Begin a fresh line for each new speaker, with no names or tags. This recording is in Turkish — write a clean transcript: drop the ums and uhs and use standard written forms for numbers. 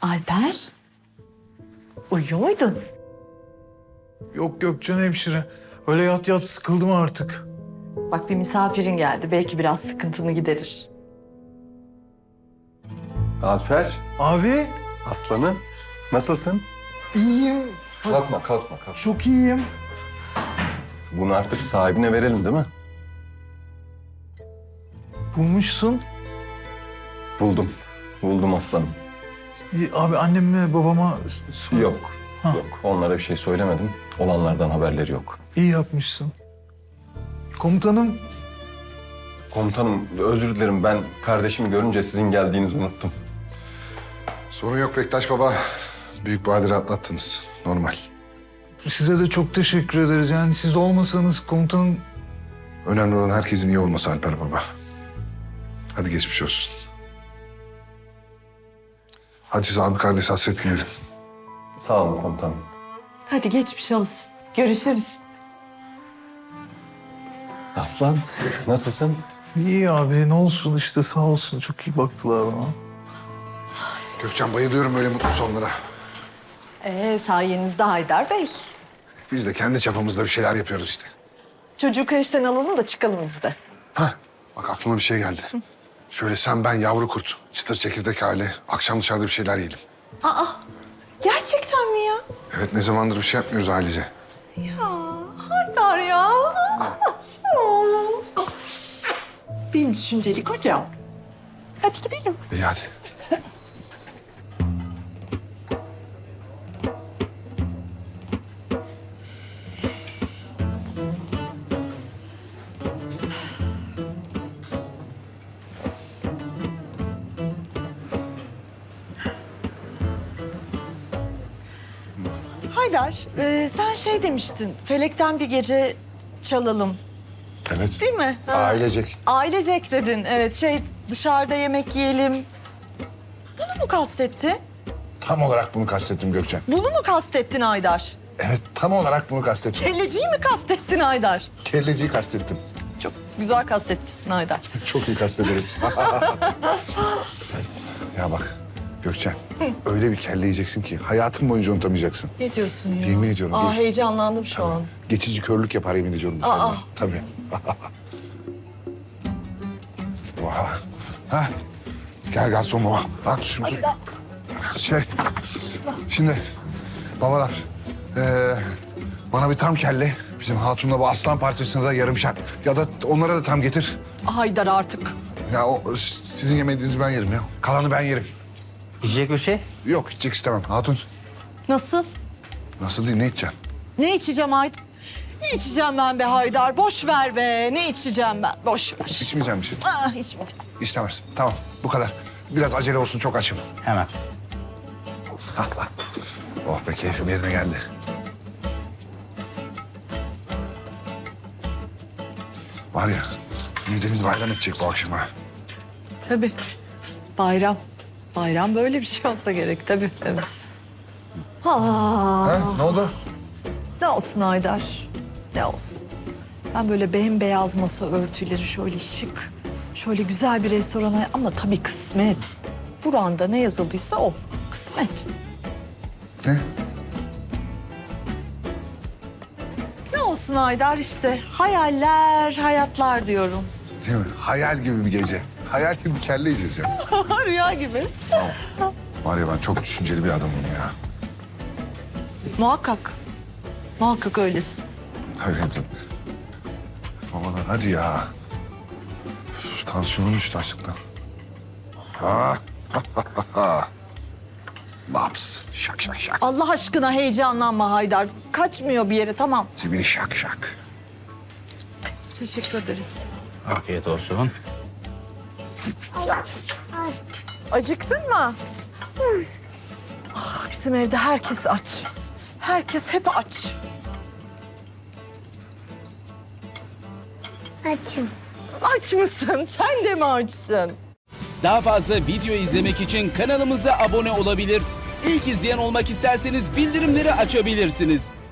Alper, uyuyor muydun?
Yok Gökçen hemşire. Öyle yat yat sıkıldım artık.
Bak bir misafirin geldi. Belki biraz sıkıntını giderir.
Alper,
Abi
aslanım. Nasılsın?
iyiyim.
Kalkma.
Çok iyiyim.
Bunu artık sahibine verelim değil mi?
Bulmuşsun.
Buldum aslanım.
Abi annemle babama sor.
Yok.
Ha.
Yok. Onlara bir şey söylemedim. Olanlardan haberleri yok.
İyi yapmışsın. Komutanım.
Komutanım özür dilerim. Ben kardeşimi görünce sizin geldiğinizi unuttum.
Sorun yok Bektaş Baba. Büyük badire atlattınız. Normal.
Size de çok teşekkür ederiz. Yani siz olmasanız komutanım...
Önemli olan herkesin iyi olması Alper Baba. Hadi geçmiş olsun. Hadi siz abi kardeş hasret gidelim.
Sağ olun komutanım.
Hadi geçmiş olsun. Görüşürüz.
Aslan, nasılsın?
İyi abi ne olsun işte sağ olsun. Çok iyi baktılar bana.
Gökçen bayılıyorum böyle mutlu sonlara.
Sayenizde Haydar Bey.
Biz de kendi çapımızda bir şeyler yapıyoruz işte.
Çocuğu kreşten alalım da çıkalım biz de.
Hah, bak aklıma bir şey geldi. Şöyle sen ben yavru kurt, çıtır çekirdek aile. Akşam dışarıda bir şeyler yiyelim.
Gerçekten mi ya?
Evet ne zamandır bir şey yapmıyoruz ailece.
Haydar ya. Benim düşünceli kocam. Hadi gidelim.
İyi hadi.
Haydar, sen şey demiştin, felekten bir gece çalalım,
Evet.
değil mi? Ha.
Ailecek.
Ailecek dedin, evet. Dışarıda yemek yiyelim. Bunu mu kastettin?
Tam olarak bunu kastettim Gökçen.
Bunu mu kastettin Haydar?
Evet tam olarak bunu kastettim.
Kelleciyi mi kastettin Haydar?
Kelleciyi kastettim.
Çok güzel kastetmişsin Haydar.
Çok iyi kastederim. Ya bak Gökçen, öyle bir kelle yiyeceksin ki hayatın boyunca unutamayacaksın.
Ne diyorsun ya?
Yemin ediyorum,
Aa,
geç.
heyecanlandım şu an.
Geçici körlük yapar yemin ediyorum. bu
Aa.
kelle. Tabii. Oha. Ha. Gel garson baba. At şunu. Şimdi babalar, bana bir tam kelle, bizim hatunla bu aslan parçasını da yarımşar. Ya da onlara da tam getir.
Haydar artık.
Ya o sizin yemediğinizi ben yerim ya. Kalanı ben yerim.
İçecek bir şey?
Yok içecek istemem. Hatun
Nasıl?
nasıl değil ne içeceksin?
Ne içeceğim Haydar? Ne içeceğim ben be Haydar? Boş ver be. Ne içeceğim ben? Boş ver.
İçmeyeceğim bir şey.
İçmeyeceğim.
İstemez. Tamam bu kadar. Biraz acele olsun çok açım.
Hemen.
Oh be keyfim yerine geldi. Var ya midemiz bayram edecek bu akşam ha.
Tabii. Bayram. Bayram böyle bir şey olsa gerek tabii. Evet.
Ha, ne oldu?
Ne olsun Haydar? Ne olsun? Ben böyle bembeyaz masa örtüleri şöyle şık, şöyle güzel bir restorana ama tabii kısmet. Buranda ne yazıldıysa o. Kısmet.
Ne?
Ne olsun Haydar işte. Hayaller, hayatlar diyorum.
Değil mi? Hayal gibi bir gece. Hayal gibi bir kelle yiyeceğiz ya.
Rüya gibi.
Var ya ben çok düşünceli bir adamım ya.
Muhakkak. Muhakkak öylesin.
Hayır hepsi. Babalar hadi ya. Üf, tansiyonum düştü açlıktan. Ha. Laps. Şak şak şak.
Allah aşkına heyecanlanma Haydar. Kaçmıyor bir yere tamam.
Zibini şak şak.
Teşekkür ederiz.
Afiyet olsun.
Acıktın mı? Ah, bizim evde herkes aç. Herkes hep aç.
Açım.
Aç mısın? Sen de mi açsın?
Daha fazla video izlemek için kanalımıza abone olabilir. İlk izleyen olmak isterseniz bildirimleri açabilirsiniz.